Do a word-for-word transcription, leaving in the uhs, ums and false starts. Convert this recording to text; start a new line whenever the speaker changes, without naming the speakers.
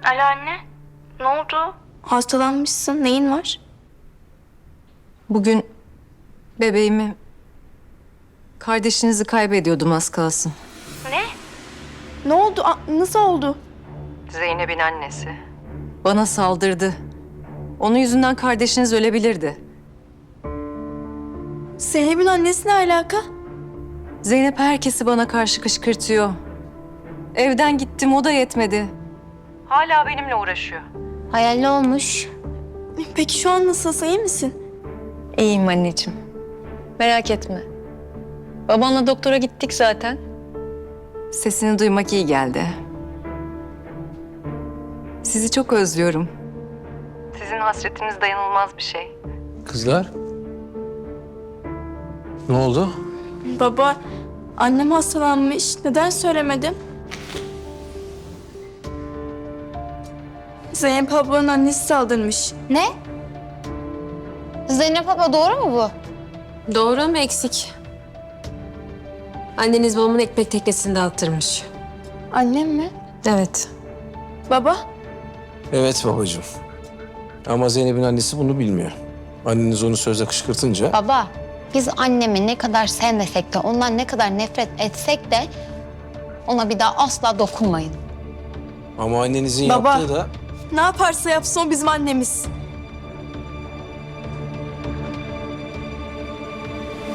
Alo anne. Ne oldu? Hastalanmışsın. Neyin var?
Bugün bebeğimi, kardeşinizi kaybediyordum az kalsın.
Ne? Ne oldu? A- nasıl oldu?
Zeynep'in annesi. Bana saldırdı. Onun yüzünden kardeşiniz ölebilirdi.
Zeynep'in annesi ne alaka?
Zeynep herkesi bana karşı kışkırtıyor. Evden gittim, o da yetmedi. Hala benimle uğraşıyor.
Hayalli olmuş.
Peki şu an nasılsın? İyi misin?
İyiyim anneciğim. Merak etme. Babanla doktora gittik zaten. Sesini duymak iyi geldi. Sizi çok özlüyorum. Sizin hasretiniz dayanılmaz bir şey.
Kızlar. Ne oldu?
Baba, annem hastalanmış. Neden söylemedin? Zeynep ablanın annesi saldırmış.
Ne? Zeynep abla doğru mu bu?
Doğru ama eksik. Anneniz babamın ekmek teknesini dağıttırmış.
Annem mi?
Evet.
Baba?
Evet babacığım. Ama Zeynep'in annesi bunu bilmiyor. Anneniz onu sözle kışkırtınca...
Baba, biz annemi ne kadar sevmesek de, ondan ne kadar nefret etsek de ona bir daha asla dokunmayın.
Ama annenizin
Baba.
yaptığı da...
Ne yaparsa yapsın o bizim annemiz.